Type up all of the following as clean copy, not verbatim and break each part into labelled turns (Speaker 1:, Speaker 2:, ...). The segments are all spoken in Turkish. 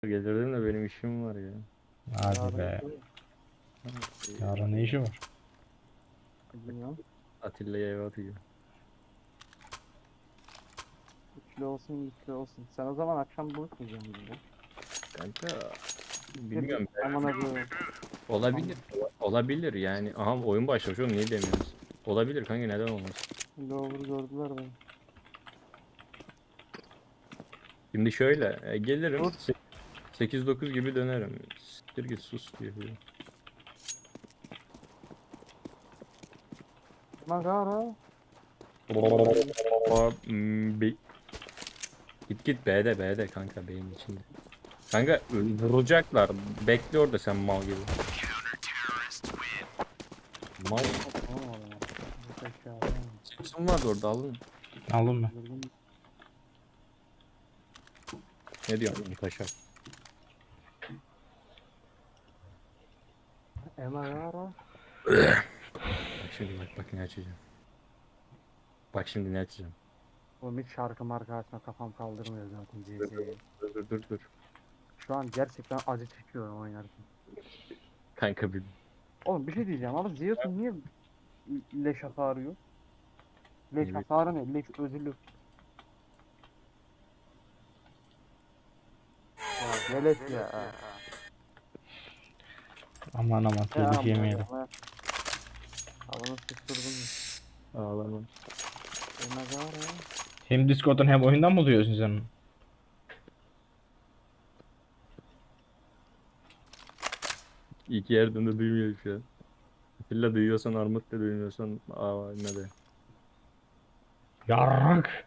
Speaker 1: Gelirdim de benim işim var ya.
Speaker 2: Hadi be. Yarın ne işi var?
Speaker 3: Bilmiyorum.
Speaker 1: Atilla'ya eve atıyor.
Speaker 3: Üçlü olsun, güçlü olsun. Sen o zaman akşam buluşmayacaksın bizle.
Speaker 1: Kanka
Speaker 3: Gir git.
Speaker 1: bilmiyorum.
Speaker 3: Aman abi.
Speaker 1: Olabilir. Olabilir yani. Aha oyun başlamış oğlum niye demiyoruz? Olabilir kanka neden olmaz?
Speaker 3: Lower gördüler beni.
Speaker 1: Şimdi şöyle gelirim
Speaker 3: Dur.
Speaker 1: 8-9 gibi dönerim. Siktir git sus diyor.
Speaker 3: Magara.
Speaker 1: Hmm, Git git B'de kanka beyin içinde. Kanka vuracaklar. Bekle orada sen mal gibi. Mal.
Speaker 3: Tamam o zaman. Bu aşağıda.
Speaker 1: Simpson vardı orada aldın.
Speaker 2: Aldın mı?
Speaker 3: Gördüm.
Speaker 1: Ne diyorsun taşak?
Speaker 3: Magara.
Speaker 1: Bak şimdi bak ne açacağım. Bak şimdi ne açacağım.
Speaker 3: Oğlum hiç şarkı marka açma kafam kaldırmıyor zaten
Speaker 1: Dur
Speaker 3: CZ'yi.
Speaker 1: dur.
Speaker 3: Şu an gerçekten acı çekiyorum oynarken.
Speaker 1: Kanka bir
Speaker 3: Oğlum bir şey diyeceğim ama Zeus'un niye leş hasarı yok? Leş
Speaker 1: ne
Speaker 3: hasarı ne? Leş özürlü. Ya velet ya.
Speaker 2: Aman aman
Speaker 3: Ne
Speaker 2: telif
Speaker 3: amma
Speaker 2: yemeyelim.
Speaker 3: ya. Havanı sıçtırdım.
Speaker 1: ağlama.
Speaker 3: Magara.
Speaker 2: Hem Discord'dan hem oyundan mı duyuyorsun sen onu?
Speaker 1: İki yerden de duymuyor şu an. Atilla duyuyorsan Armut da duymuyorsan ne de.
Speaker 2: Yarrak.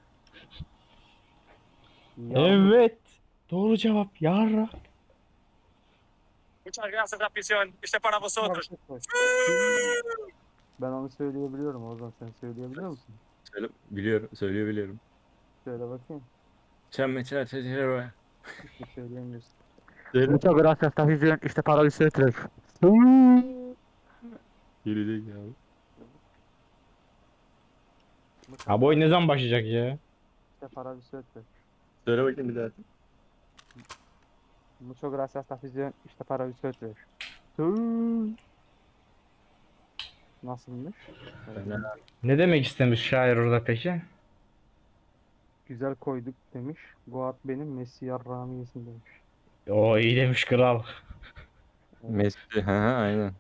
Speaker 3: Yargı.
Speaker 2: Evet. Doğru cevap yarrak.
Speaker 4: Muchas gracias, afición. Este para vosotros.
Speaker 3: Ben onu söyleyebiliyorum o zaman sen söyleyebiliyor musun?
Speaker 1: Söyle, biliyorum, biliyorum.
Speaker 3: Söyle bakayım.
Speaker 1: Çemme çare.
Speaker 3: Hiçbir söyleyemiyorsun.
Speaker 1: Söyle.
Speaker 3: Muchas gracias, Tafición. İşte para vosotros.
Speaker 1: Gelecek ya.
Speaker 2: Ha bu oyun ne zaman başlayacak ya?
Speaker 3: İşte para vosotros.
Speaker 1: Söyle bakayım bir daha.
Speaker 3: Muchas gracias, Tafición. İşte para vosotros. Nasılmış?
Speaker 1: Fena.
Speaker 2: Ne demek istemiş şair orada peki?
Speaker 3: Güzel koyduk demiş. Goat benim Messi yarrağımı yesin demiş.
Speaker 2: O iyi demiş kral.
Speaker 3: Evet.
Speaker 1: Messi. Ha aynen.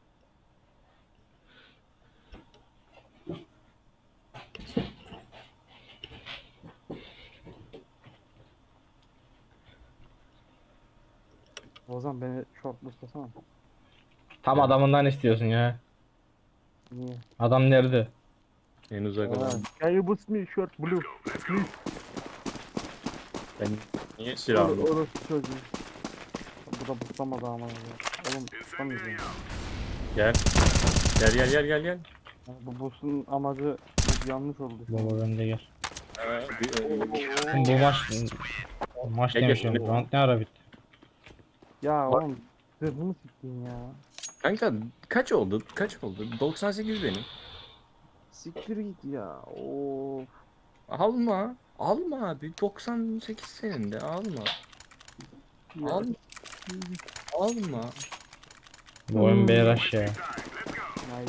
Speaker 3: O zaman beni shortlastasana.
Speaker 2: Tam
Speaker 1: Evet.
Speaker 2: adamından istiyorsun ya.
Speaker 3: Niye?
Speaker 2: Adam nerede?
Speaker 1: En uzak olan.
Speaker 3: Can you boost me short blue? Please.
Speaker 1: Ben niye silahım yok?
Speaker 3: Orası çocuğu. Bu da bustlamadı ama ya. Oğlum bustamayacağım.
Speaker 1: Gel. Gel.
Speaker 3: Yani bu boost'un amacı yanlış oldu şu an.
Speaker 2: Baba bende gel.
Speaker 1: Bir,
Speaker 2: Oğlum bu maç
Speaker 1: Gel gel.
Speaker 2: demişim. Round ne ara bitti?
Speaker 3: Ya
Speaker 1: Bak.
Speaker 3: oğlum zırhımı siktin ya.
Speaker 1: Kanka kaç oldu? Kaç oldu? 98 benim.
Speaker 3: Siktir git ya. Of.
Speaker 1: Alma. Alma abi. 98 senin de alma.
Speaker 3: Ya.
Speaker 1: Alma. Alma.
Speaker 2: Bu oyun beyraş ya.
Speaker 3: Haydi.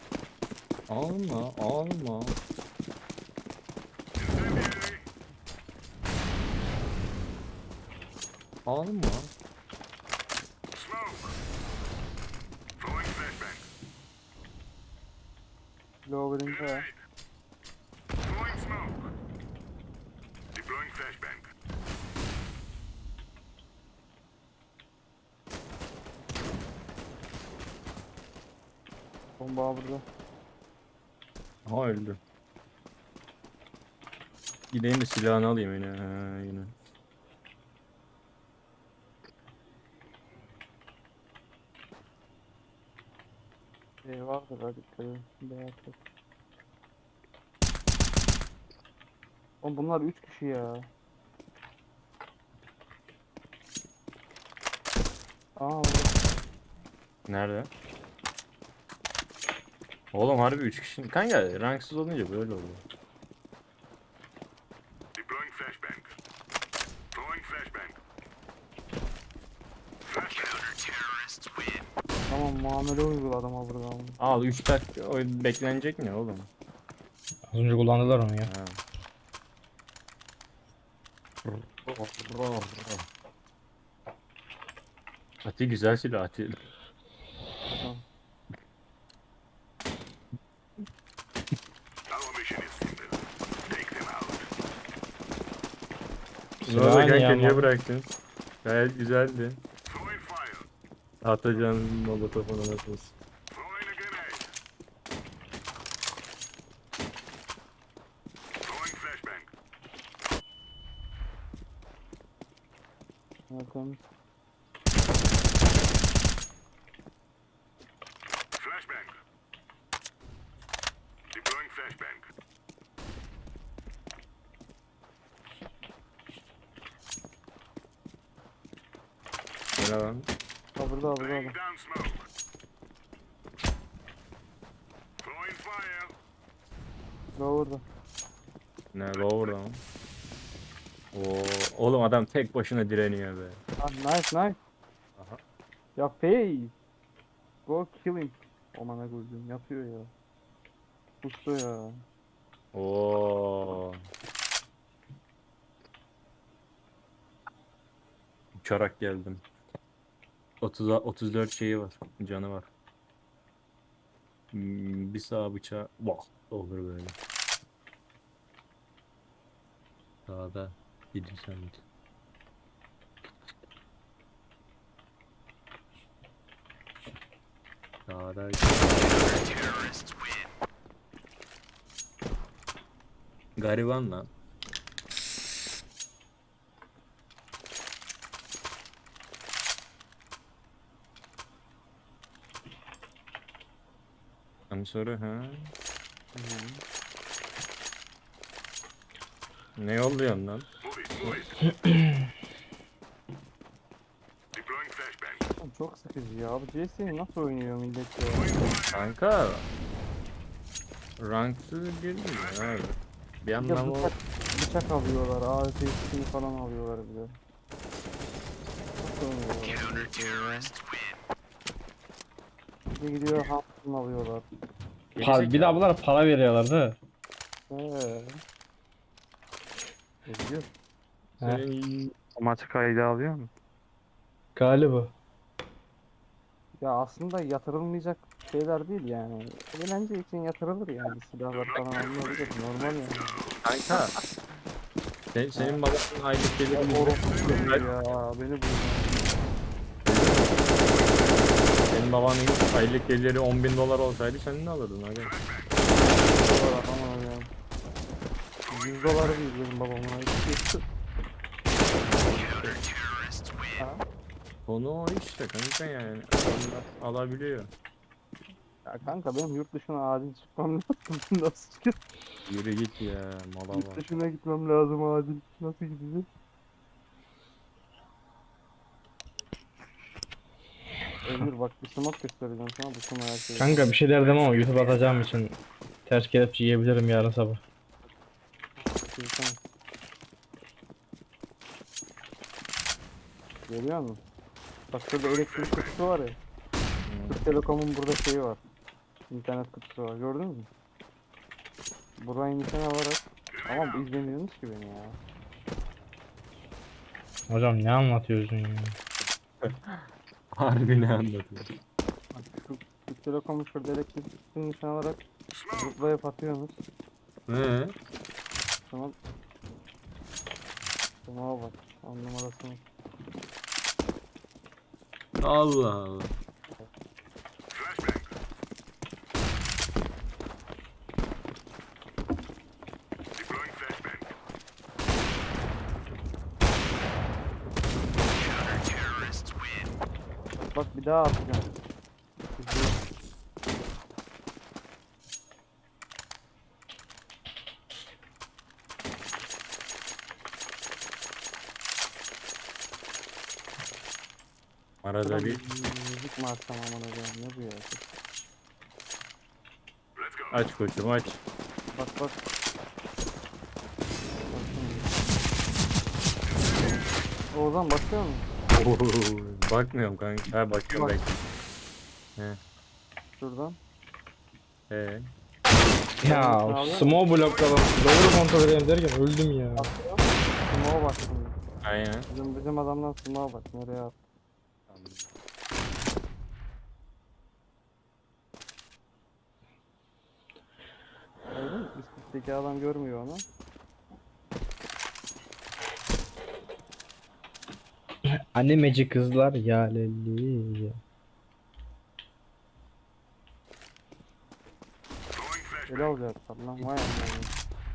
Speaker 1: Alma. Alma.
Speaker 3: Lower'ında. Bomba burada.
Speaker 1: Aha öldü. Gideyim de silahını alayım yine. Ha, yine.
Speaker 3: Vardır hadi dikkat edin. Beyaz yok. Oğlum bunlar 3 kişi ya. Aa burada.
Speaker 1: Nerede? Oğlum harbi 3 kişi. Kanka ranksız olunca böyle oluyor.
Speaker 3: Tamam muamele uygula adama burada ama.
Speaker 1: Al 3 dakika oyun beklenecek mi oğlum?
Speaker 2: Az önce kullandılar onu ya.
Speaker 1: Ha. Ati güzel silah Ati.
Speaker 3: Tamam.
Speaker 1: Ne oldu
Speaker 2: Silah ne
Speaker 1: kanka
Speaker 2: ya,
Speaker 1: niye
Speaker 2: ama?
Speaker 1: bıraktın? Gayet güzeldi. Atacağın molotofunu nasıl?
Speaker 3: Bakalım.
Speaker 1: Ne lan?
Speaker 3: Ha burada burada. Doğru.
Speaker 1: Ne lower lan? Oo, oğlum adam tek başına direniyor be.
Speaker 3: Ah nice nice.
Speaker 1: Aha.
Speaker 3: Ya Faye. Go kill him. Aman ne koyduğum yapıyor ya. Usta ya.
Speaker 1: Oo. Uçarak geldim. 34 şeyi var. Canı var. Bir sağ bıçağı. Vah. Olur böyle. Sağda. Gidiyorsan git. Sağda. Gariban lan. I'm sorry ha. Ne yolluyorsun lan?
Speaker 3: Oğlum çok sıkıcı ya. Bu CS'yi nasıl oynuyor millet ya?
Speaker 1: Kanka. Ranksız girmiyor abi. Bir
Speaker 3: Bir de
Speaker 1: anlamı o.
Speaker 3: bıçak alıyorlar. AWP'sini falan alıyorlar bir de. Nasıl oynuyorlar bu CS'yi ya? Bir de gidiyor Hampton alıyorlar.
Speaker 2: Bir daha bunlara para veriyorlar değil mi?
Speaker 3: Gidiyor.
Speaker 1: Senin
Speaker 3: Maçı kaydı alıyor mu?
Speaker 2: Galiba.
Speaker 3: Ya aslında yatırılmayacak şeyler değil yani. Eğlence için yatırılır yani. Silahlar falan alınabilir. Normal yani.
Speaker 1: kanka. Senin babanın aylık geliri
Speaker 3: Ya beni bu.
Speaker 1: senin babanın aylık geliri 10.000 dolar olsaydı sen ne alırdın aga?
Speaker 3: Dolar aman ya. 100 dolar değil benim babamın ayıp.
Speaker 1: Konu o işte kanka yani. Adamlar alabiliyor.
Speaker 3: Ya kanka benim yurt dışına acil çıkmam lazım. Nasıl çıkıyor?
Speaker 1: Yürü git ya mala
Speaker 3: Yurt
Speaker 1: var.
Speaker 3: dışına gitmem lazım acil. Nasıl gideceğiz? Emir bak bir smoke göstereceğim sana bu smoke her şeyi.
Speaker 2: Kanka bir şey derdim ama YouTube atacağım için ters kelepçe yiyebilirim yarın sabah.
Speaker 3: Tamam. Görüyor musun? Bak şurada elektrik kutusu var ya. Türk Telekom'un burada şeyi var. İnternet kutusu var. Gördün mü? Burayı nişan alarak. Ama bu izlemiyorsunuz ki beni ya.
Speaker 2: Hocam ne anlatıyorsun ya?
Speaker 1: Harbi ne anlatıyor?
Speaker 3: Bak şu Türk Telekom'un şurada elektrik kutusunu nişan alarak zıplayıp atıyorsunuz.
Speaker 1: He?
Speaker 3: Tamam. Tamam bak. 10 numarasını.
Speaker 1: Allah Allah.
Speaker 3: Bak bir daha atacağım. İzleyin.
Speaker 1: Arada bir
Speaker 3: Müzik mi açsam aman hocam ne bu ya?
Speaker 1: aç koçum aç.
Speaker 3: Bak bak. Oğuzhan bakıyor musun?
Speaker 1: Bakmıyorum kanka. Ha bakıyorum
Speaker 3: Bak.
Speaker 1: bekle. He.
Speaker 3: Şuradan.
Speaker 1: Ee.
Speaker 2: Ya small blokladım. Doğru kontrol edeyim derken öldüm ya.
Speaker 3: Atıyorum. Smoke'a bak şimdi.
Speaker 1: Aynen.
Speaker 3: Bizim adamdan smoke'a bak. Nereye at? Öyle mi? Üstteki adam görmüyor onu.
Speaker 2: Animeci kızlar ya lelli.
Speaker 3: Ele alacaklar lan. Vay anam.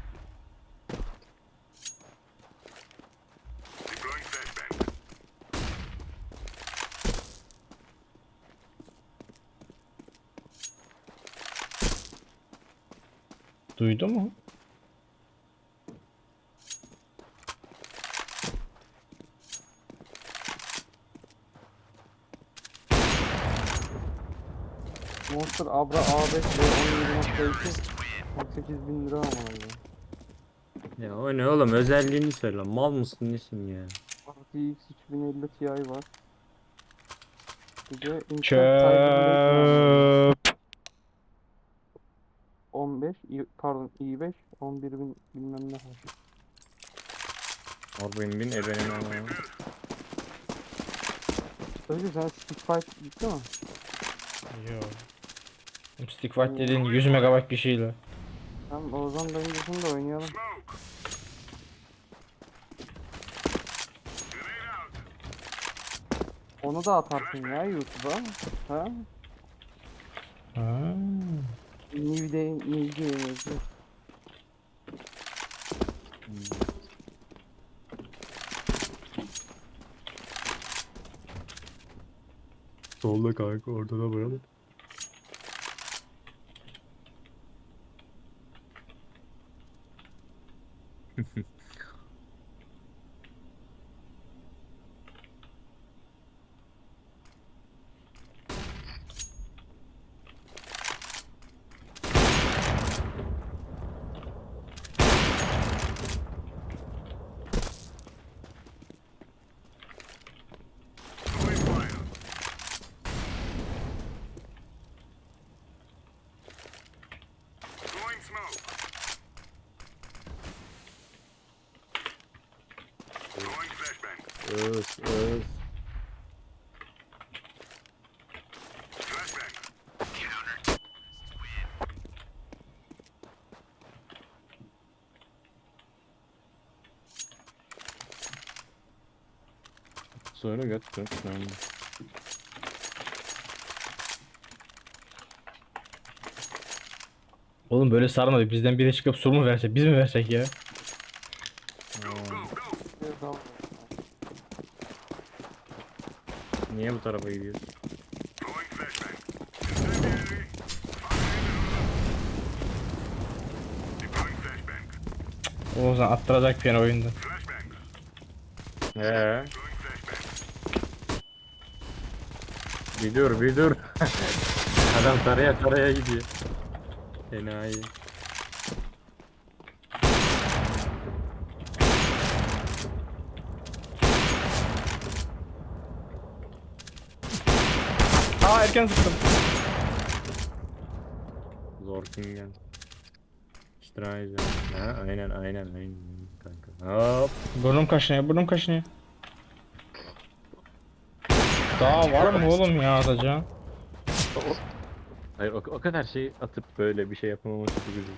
Speaker 2: Duydu mu?
Speaker 3: Monster Abra A5 ve 17.2 18.000 lira ama ya.
Speaker 1: Ya o ne oğlum, özelliğini söyle. Mal mısın nesin ya?
Speaker 3: RTX 3050 Ti var. Bir de Intel
Speaker 2: Çöp.
Speaker 3: 15 pardon i5 11.000 bilmem ne var.
Speaker 1: Orbin bin ebenin ama.
Speaker 3: Öyle sen Stick Fight gitti mi?
Speaker 2: Yo. Stick Fight dediğin 100 MB bir şeyle.
Speaker 3: Tamam o zaman bence da oynayalım. Onu da atarsın ya YouTube'a. Ha?
Speaker 2: Ha.
Speaker 3: New Day, New Day.
Speaker 1: Solda kanka, orada da böyle. Öf öf. Sonra götür.
Speaker 2: Oğlum böyle sarmadı. Bizden biri çıkıp sur mu verse, biz mi versek ya?
Speaker 3: Biraz daha var.
Speaker 1: Niye bu tarafa gidiyorsun?
Speaker 2: O zaman attıracak bir oyunda.
Speaker 1: He. Bir dur. Adam taraya gidiyor. Enayi.
Speaker 2: Aa erken sıktım.
Speaker 1: Zorkingen. Streisand. Ha, aynen kanka. Hop.
Speaker 2: Burnum kaşınıyor. Daha var mı oğlum ya atacağım?
Speaker 1: Hayır, o kadar şey atıp böyle bir şey yapamaması çok üzücü.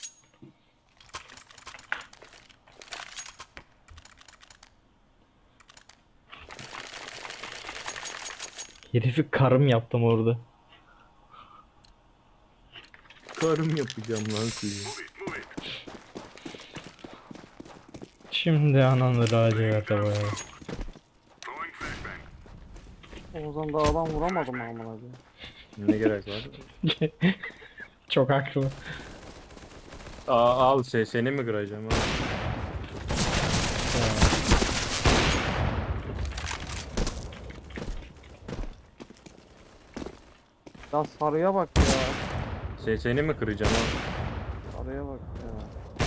Speaker 2: Herifi karım yaptım orada.
Speaker 1: Karım yapacağım lan suyu.
Speaker 2: Şimdi ananı laciverte boyalı.
Speaker 3: Oğuzhan da adam vuramadı mı amına koyayım?
Speaker 1: Ne gerek var?
Speaker 2: Çok haklı.
Speaker 1: Al seni mi kıracağım ha?
Speaker 3: Ya sarıya bak ya.
Speaker 1: Seni mi kıracağım ha?
Speaker 3: Sarıya bak ya.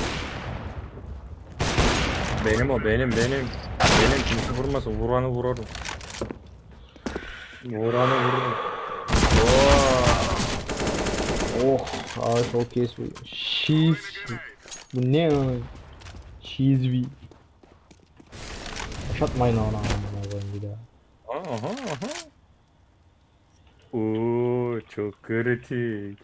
Speaker 1: Benim. Kimse vurmasın. Vuranı vurarım. Oo.
Speaker 2: Oh, çok iyi. Cheese. Bu ne ya? Cheese. Yaşatmayın ona amına koyayım bir daha.
Speaker 1: Aha aha. Oo çok kritik.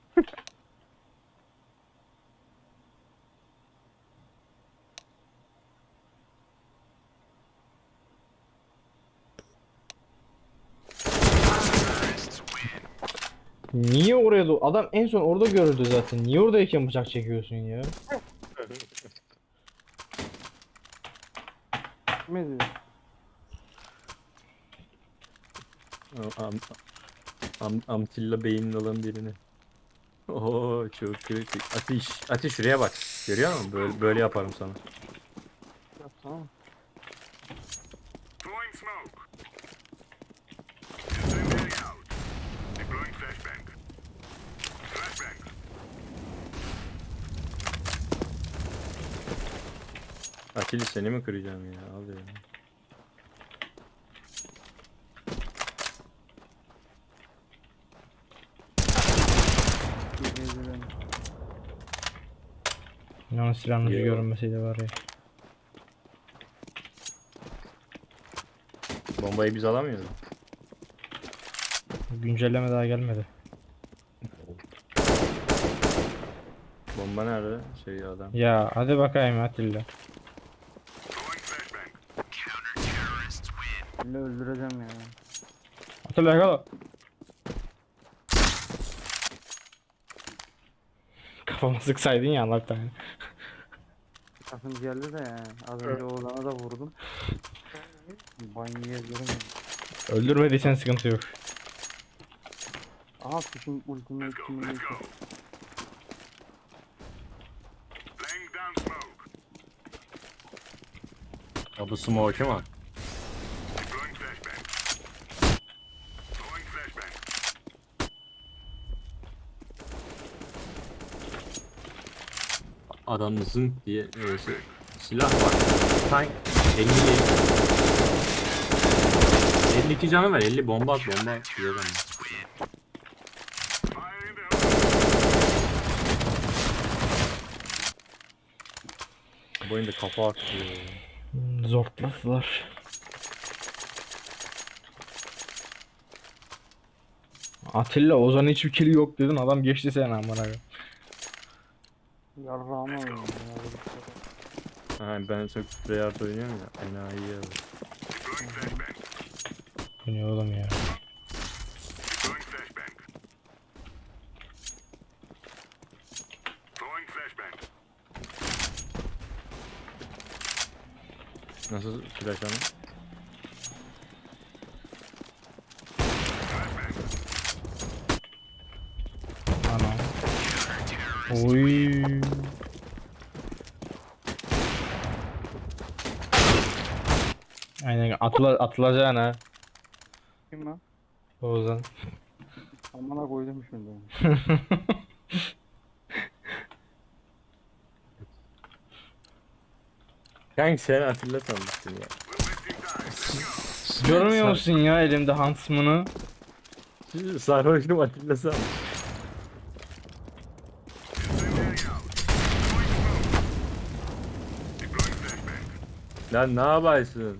Speaker 2: Niye oraya adam en son orada görüldü zaten. Niye oradayken bıçak çekiyorsun ya?
Speaker 3: Gitmedi.
Speaker 1: Am, Amtilla beynin olan birini. Oo çok kritik. Ateş. Ateş şuraya bak. Görüyor musun? Böyle yaparım sana.
Speaker 3: Yapsana.
Speaker 1: Atilla seni mi kıracağım ya? Al ya.
Speaker 3: Gitmedi.
Speaker 2: Yani silahın ucu
Speaker 1: Yo.
Speaker 2: görünmeseydi var ya.
Speaker 1: Bombayı biz alamıyoruz.
Speaker 2: Güncelleme daha gelmedi.
Speaker 1: Bomba nerede? Şey adam.
Speaker 2: Ya hadi bakayım Atilla.
Speaker 3: İlle öldüreceğim ya.
Speaker 2: Atilla yakala. Kafama sıksaydın ya Allah tane.
Speaker 3: Takım geldi de yani. Az önce Oğuzhan'a da vurdum. Banyoya göremedim.
Speaker 2: Öldürmediysen sıkıntı yok.
Speaker 3: Aha fishing ultimate simulation.
Speaker 1: Ya bu smoke mu? Adam zınk diye silah var. Tank 50 52 canı var. 50 bomba at bomba at diyor adam. Bu oyunda kafa atıyor.
Speaker 2: Zortladılar. Atilla Ozan hiçbir kill yok dedin adam geçti seni amına koyayım.
Speaker 3: Yarrağımı oynuyorum ya. Böyle bir şey.
Speaker 1: Ha, ben çok Treyarch oynuyorum ya. Enayi ya.
Speaker 2: Bu ne oğlum ya?
Speaker 1: Nasıl flash ama?
Speaker 2: Ana. Oy. Aynen atılacaksın ha.
Speaker 3: Kim lan?
Speaker 2: Ozan.
Speaker 3: Amına koydum şimdi.
Speaker 1: Kanka sen Atilla sanmıştın ya.
Speaker 2: Görmüyor musun ya elimde Huntsman'ı?
Speaker 1: Sarhoşum Atilla sanmış. Lan ne yapıyorsun?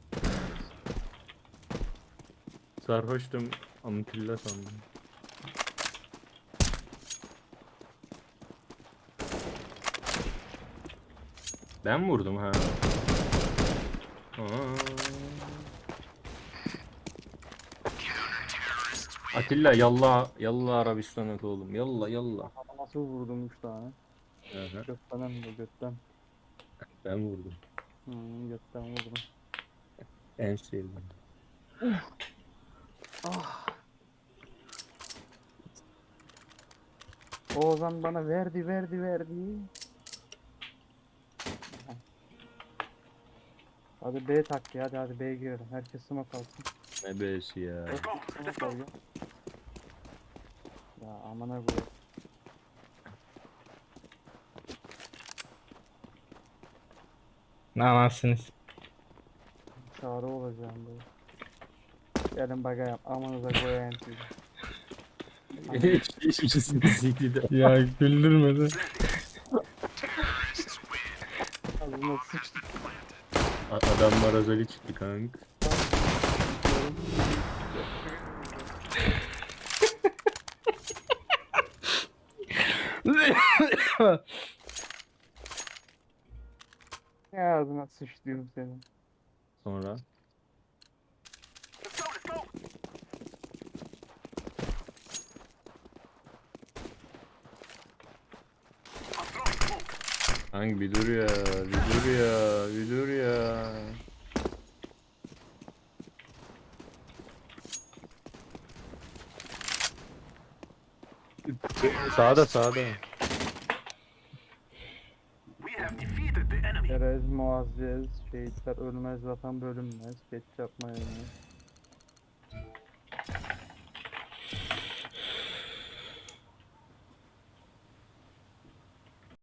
Speaker 1: Sarhoştum Atilla sandım. Ben vurdum ha. Aa. Atilla yallah yallah Arabistan'a oğlum yallah yallah.
Speaker 3: Ama nasıl vurdum 3 tane?
Speaker 1: Hı hı,
Speaker 3: Götten hem de götten.
Speaker 1: ben vurdum.
Speaker 3: Götten vurdum.
Speaker 1: En sevdiğim.
Speaker 3: Ah. Oğuzhan bana verdi. Hadi B tak ya hadi B'ye girelim. Herkes smoke alsın.
Speaker 1: Ne besi ya.
Speaker 3: Smoke al ya. Ya amına koyayım.
Speaker 2: Ne anasınız?
Speaker 3: Çağrı olacağım böyle. Gelin bakayım amanıza koyayım sizi.
Speaker 1: Hiçbirisini CT'de.
Speaker 2: Ya güldürmedi.
Speaker 3: Ağzına sıçtık.
Speaker 1: Adam marazali çıktı kank.
Speaker 3: Ya ağzına sıçtıyorum senin.
Speaker 1: Sonra. Kanka bir dur ya, bir dur ya, bir dur ya. Sağda sağda.
Speaker 3: Erez muazzez, şehitler ölmez, vatan bölünmez, geç yapma ölmez.